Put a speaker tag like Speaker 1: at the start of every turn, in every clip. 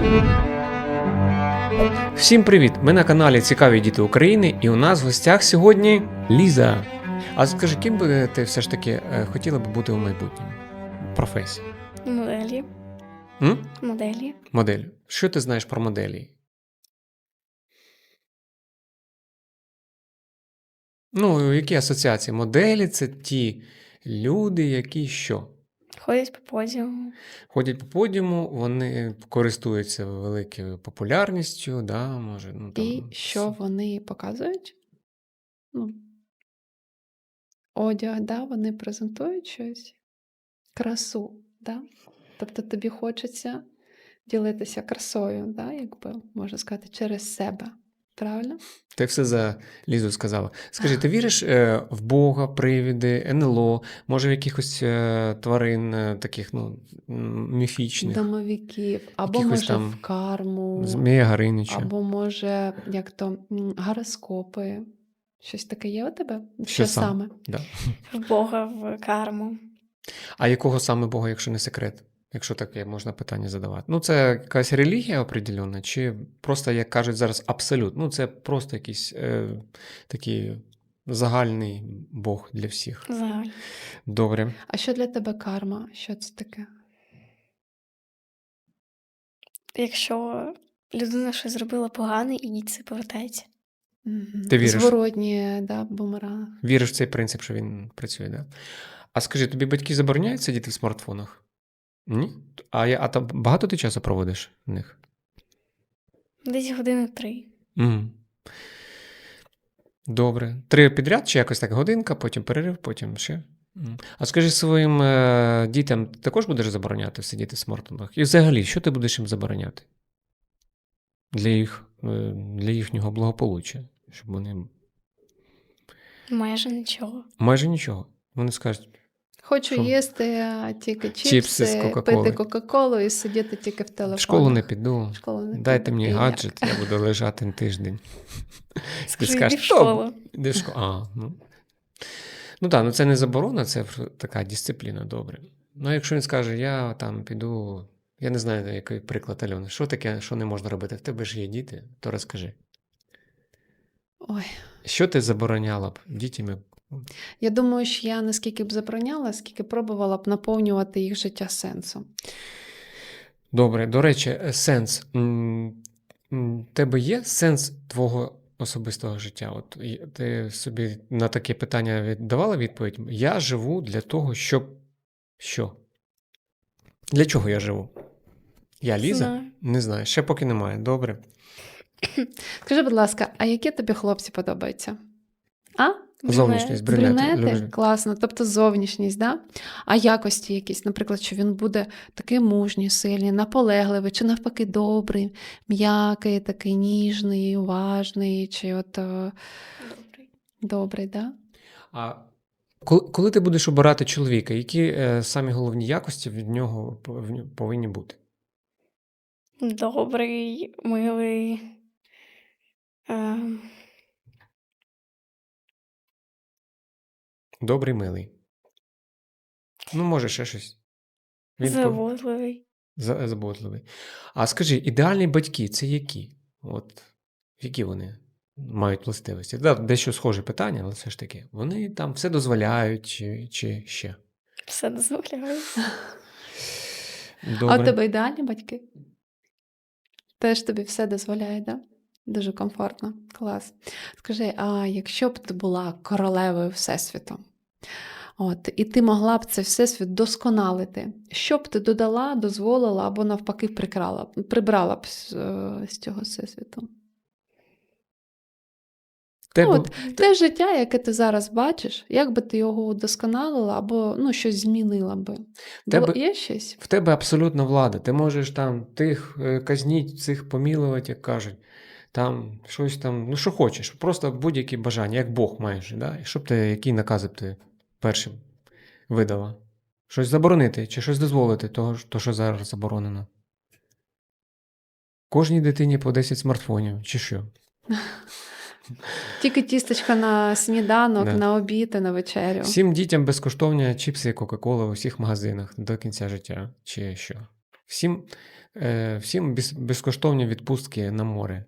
Speaker 1: Всім привіт! Ми на каналі Цікаві діти України, і у нас в гостях сьогодні Ліза. А скажи, ким би ти все ж таки хотіла б бути у майбутньому? Професія?
Speaker 2: Моделі.
Speaker 1: М?
Speaker 2: Моделі.
Speaker 1: Модель. Що ти знаєш про моделі? Ну, які асоціації? Моделі – це ті люди, які що?
Speaker 2: Ходять по подіуму.
Speaker 1: Ходять по подіуму, вони користуються великою популярністю, да, може, ну, там,
Speaker 3: І що вони показують? Ну, одяг, да, вони презентують щось, красу, да? Тобто тобі хочеться ділитися красою, да, якби можна сказати, через себе. Правильно?
Speaker 1: Ти все за Лізу сказала. Скажи, ти віриш в Бога, привиди, НЛО, може в якихось тварин таких, ну, міфічних?
Speaker 3: Домовиків, або
Speaker 1: Якихось
Speaker 3: може
Speaker 1: там
Speaker 3: в карму,
Speaker 1: Змія Гаринича.
Speaker 3: або може, як то, гороскопи. Щось таке є у тебе?
Speaker 1: Що саме? Да.
Speaker 2: В Бога, в карму.
Speaker 1: А якого саме Бога, якщо не секрет? Якщо таке можна питання задавати. Ну, це якась релігія определенна, чи просто, як кажуть зараз, абсолют? Ну, це просто якийсь такий загальний Бог для всіх.
Speaker 2: Загально.
Speaker 1: Добре.
Speaker 3: А що для тебе карма? Що це таке?
Speaker 2: Якщо людина щось зробила погане, і їй це повертається.
Speaker 1: Ти віриш?
Speaker 3: Зворотні, да, бумеранг.
Speaker 1: Віриш в цей принцип, що він працює, да? А скажи, тобі батьки забороняють сидіти в смартфонах? Ні? А там багато ти часу проводиш в них?
Speaker 2: Десь 3 години.
Speaker 1: Угу. Добре. 3 підряд чи якось так годинка, потім перерив, потім ще? А скажи, своїм дітям також будеш забороняти сидіти в смартфонах? І взагалі, що ти будеш їм забороняти? Для їхнього благополуччя, щоб вони...
Speaker 2: Майже нічого.
Speaker 1: Майже нічого. Вони скажуть,
Speaker 3: Хочу
Speaker 1: що?
Speaker 3: їсти тільки
Speaker 1: Чіпси з
Speaker 3: чіпси,
Speaker 1: Кока-Коли.
Speaker 3: пити Кока-Колу і сидіти тільки в телефонах.
Speaker 1: в школу не піду,
Speaker 3: В школу не
Speaker 1: дайте
Speaker 3: піду.
Speaker 1: мені
Speaker 3: І як?
Speaker 1: гаджет, я буду лежати тиждень.
Speaker 2: Скажи,
Speaker 1: скажеш,
Speaker 2: йди в школу.
Speaker 1: Іди в школу. Ну так, ну це не заборона, це така дисципліна, добре. Ну, якщо він скаже, я там піду, я не знаю, який приклад, Альона, що таке, що не можна робити? В тебе ж є діти, то розкажи.
Speaker 3: Ой.
Speaker 1: Що ти забороняла б дітям?
Speaker 3: Я думаю, що я наскільки б забороняла, скільки пробувала б наповнювати їх життя сенсом.
Speaker 1: Добре, до речі, сенс. Тебе є сенс твого особистого життя? От ти собі на таке питання давала відповідь? Я живу для того, щоб... Що? Для чого я живу? Я Ліза?
Speaker 2: Знаю.
Speaker 1: Не знаю, ще поки немає. Добре.
Speaker 3: Скажи, будь ласка, а які тобі хлопці подобаються? А?
Speaker 1: Зовнішність, брюнети.
Speaker 3: Брюнети?
Speaker 1: Люблю.
Speaker 3: Класно, тобто зовнішність, да? А якості якісь, наприклад, що він буде такий мужній, сильний, наполегливий, чи навпаки добрий, м'який, такий ніжний, уважний, чи от
Speaker 2: Добрий.
Speaker 3: добрий, да?
Speaker 1: А коли ти будеш обирати чоловіка, які самі головні якості від нього повинні бути?
Speaker 2: Добрий, милий.
Speaker 1: Добрий, милий. Ну, може, ще щось.
Speaker 2: Заботливий.
Speaker 1: Заботливий. А скажи, ідеальні батьки – це які? От, які вони мають властивості? Да, дещо схоже питання, але все ж таки. Вони там все дозволяють чи ще?
Speaker 2: Все дозволяє.
Speaker 1: Добре.
Speaker 3: А у тебе ідеальні батьки? Теж тобі все дозволяє, да? Дуже комфортно. Клас. Скажи, а якщо б ти була королевою Всесвіту, от, і ти могла б цей Всесвіт досконалити, що б ти додала, дозволила або навпаки прибрала б з цього Всесвіту? Те життя, яке ти зараз бачиш, як би ти його удосконалила або щось змінила би? Є щось?
Speaker 1: В тебе абсолютна влада. Ти можеш там тих казніть, цих помілувати, як кажуть. Там щось там, ну що хочеш, просто будь-які бажання, як Бог маєш. Да? І які накази б ти першим видала? Щось заборонити чи щось дозволити, то, що зараз заборонено? Кожній дитині по 10 смартфонів, чи що?
Speaker 3: Тільки тістечка на сніданок,
Speaker 1: Да.
Speaker 3: на обід і на вечерю.
Speaker 1: Всім дітям безкоштовні чіпси і Кока-Кола у всіх магазинах до кінця життя, чи що? Всім Всім безкоштовні відпустки на море.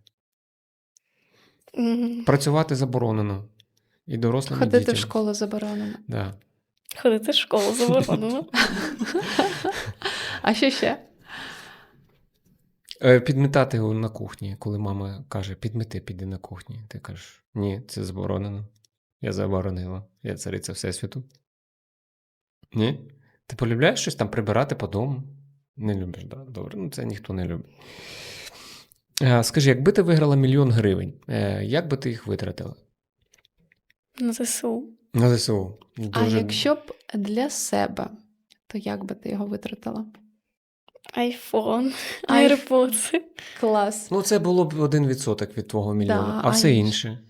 Speaker 2: М,
Speaker 1: Працювати заборонено. І дорослим, і
Speaker 3: Ходити
Speaker 1: дітям.
Speaker 3: в школу заборонено.
Speaker 1: Да.
Speaker 2: Ходити в школу заборонено.
Speaker 3: А що ще?
Speaker 1: Підмітати на кухні, коли мама каже, підмети, піди на кухні. Ти кажеш, ні, це заборонено. Я заборонила. Я цариця Всесвіту. Ні? Ти полюбляєш щось там прибирати по дому? Не любиш, да? Добре, ну це ніхто не любить. Скажи, якби ти виграла 1 000 000 гривень, як би ти їх витратила?
Speaker 2: На ЗСУ.
Speaker 1: На ЗСУ.
Speaker 3: А якщо б для себе, то як би ти його витратила?
Speaker 2: Айфон,
Speaker 3: Айф-
Speaker 2: AirPods.
Speaker 3: Клас.
Speaker 1: Ну, це було б 1% від твого мільйона,
Speaker 3: Да,
Speaker 1: а все
Speaker 3: а
Speaker 1: інше.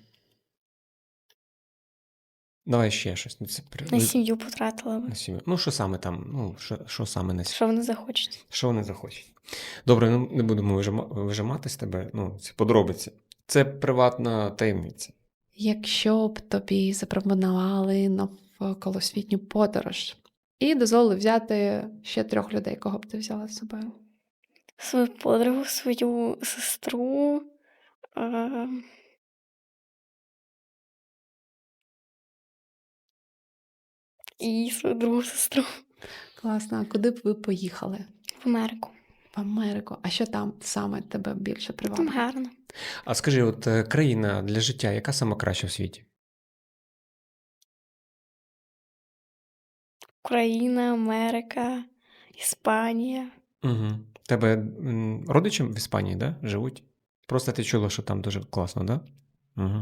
Speaker 1: Давай ще щось. Ну, це
Speaker 2: На сім'ю потратила
Speaker 1: на
Speaker 2: би.
Speaker 1: сім'ю. Ну, що саме там? Ну, що саме на сім'ю?
Speaker 2: Що вони захочуть.
Speaker 1: Що вони захочуть? Добре, ну не будемо вижимати з тебе. Ну, це подробиці. Це приватна таємниця.
Speaker 3: Якщо б тобі запропонували навколосвітню подорож і дозволили взяти ще 3 людей, кого б ти взяла з собою?
Speaker 2: Свою подругу, свою сестру. І свою другу сестру.
Speaker 3: Класно. А куди б ви поїхали?
Speaker 2: В Америку.
Speaker 3: В Америку. А що там саме тебе більше
Speaker 2: Там
Speaker 3: привабило?
Speaker 2: гарно.
Speaker 1: А скажи, от країна для життя, яка сама краща в світі?
Speaker 2: Україна, Америка, Іспанія.
Speaker 1: Угу. Тебе родичі в Іспанії, да? Живуть? Просто ти чула, що там дуже класно, да? Угу.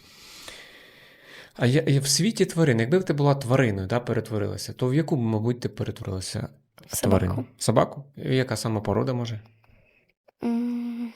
Speaker 1: А в світі тварин, якби ти була твариною, да, перетворилася, то в яку б, мабуть, ти перетворилася
Speaker 2: В
Speaker 1: тварину?
Speaker 2: собаку.
Speaker 1: Собаку? І яка сама порода може?
Speaker 2: М.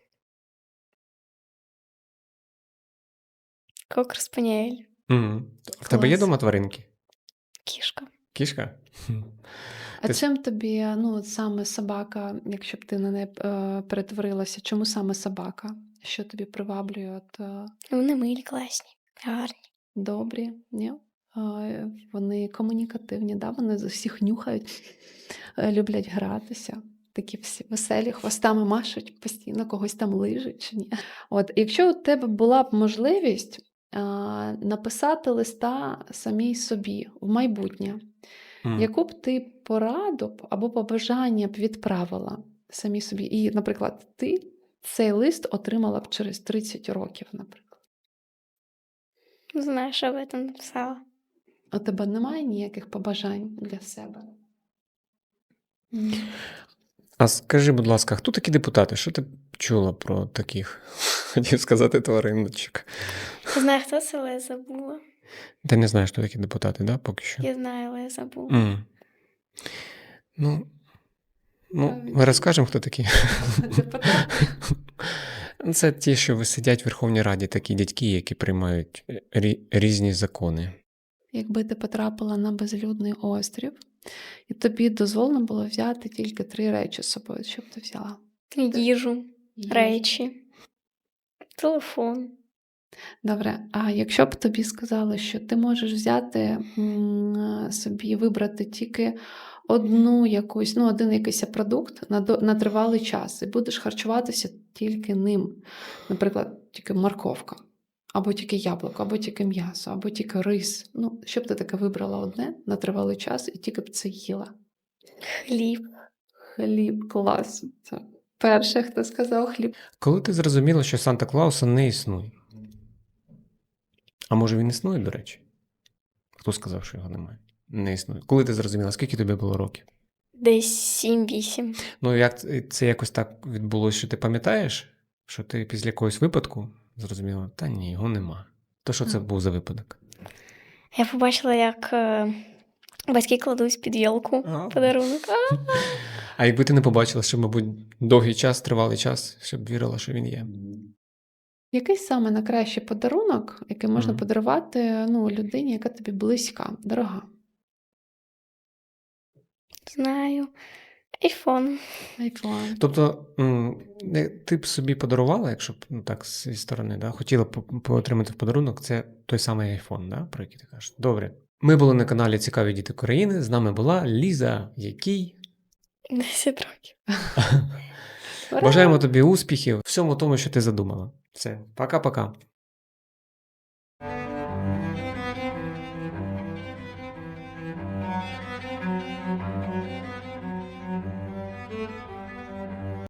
Speaker 2: Кокер спаніель.
Speaker 1: Угу. В тебе є
Speaker 3: Клас.
Speaker 1: дома тваринки?
Speaker 2: Кішка.
Speaker 1: Кішка?
Speaker 3: А
Speaker 1: Ти-
Speaker 3: чим тобі, ну, от саме собака, якщо б ти на неї перетворилася, чому саме собака? Що тобі приваблює?
Speaker 2: Вони милі, класні, гарні.
Speaker 3: Добрі, ні? Вони комунікативні, да? Вони з усіх нюхають, люблять гратися. Такі всі веселі, хвостами машуть, постійно когось там лижуть чи ні. От, якщо у тебе була б можливість написати листа самій собі в майбутнє, яку б ти пораду або побажання б відправила самі собі? І, наприклад, ти цей лист отримала б через 30 років, наприклад.
Speaker 2: Не знаю, що я там написала.
Speaker 3: У тебе немає ніяких побажань для себе?
Speaker 1: А скажи, будь ласка, хто такі депутати? Що ти чула про таких? Хотів сказати твариночок.
Speaker 2: Не знаю, хто це, але я забула.
Speaker 1: Ти не знаєш, хто такі депутати, да, поки що?
Speaker 2: Я знаю, але я забула.
Speaker 1: Ну, ми розкажемо, хто такі.
Speaker 3: Депутати?
Speaker 1: Це ті, що сидять в Верховній Раді, такі дядьки, які приймають різні закони.
Speaker 3: Якби ти потрапила на безлюдний острів, і тобі дозволено було взяти тільки 3 речі з собою, що б ти взяла?
Speaker 2: Їжу,
Speaker 3: Їжу.
Speaker 2: речі, телефон.
Speaker 3: Добре, а якщо б тобі сказали, що ти можеш взяти собі, вибрати тільки один якийсь продукт на тривалий час, і будеш харчуватися тільки ним, наприклад, тільки морковка, або тільки яблуко, або тільки м'ясо, або тільки рис. Ну, що б ти таке вибрала одне на тривалий час і тільки б це їла?
Speaker 2: Хліб.
Speaker 3: Хліб, клас. Це перше, хто сказав хліб.
Speaker 1: Коли ти зрозуміла, що Санта-Клауса не існує? А може він існує, до речі? Хто сказав, що його немає? Не існує. Коли ти зрозуміла, скільки тобі було років?
Speaker 2: Десь 7-8.
Speaker 1: Ну, як це якось так відбулося, що ти пам'ятаєш, що ти після якогось випадку зрозуміла, та ні, його нема. То що це був за випадок?
Speaker 2: Я побачила, як батьки кладуть під ялку подарунок.
Speaker 1: А якби ти не побачила, що, мабуть, довгий час, тривалий час, щоб вірила, що він є?
Speaker 3: Який саме найкращий подарунок, який можна подарувати людині, яка тобі близька, дорога?
Speaker 2: Знаю. Айфон.
Speaker 3: Айфон.
Speaker 1: Тобто, ти б собі подарувала, якщо б так зі сторони, да, хотіла б отримати в подарунок, це той самий айфон, да, про який ти кажеш. Добре. Ми були на каналі Цікаві діти України. З нами була Ліза, який
Speaker 2: 10 років.
Speaker 3: Ура!
Speaker 1: Бажаємо тобі успіхів в всьому тому, що ти задумала. Все, пока-пока.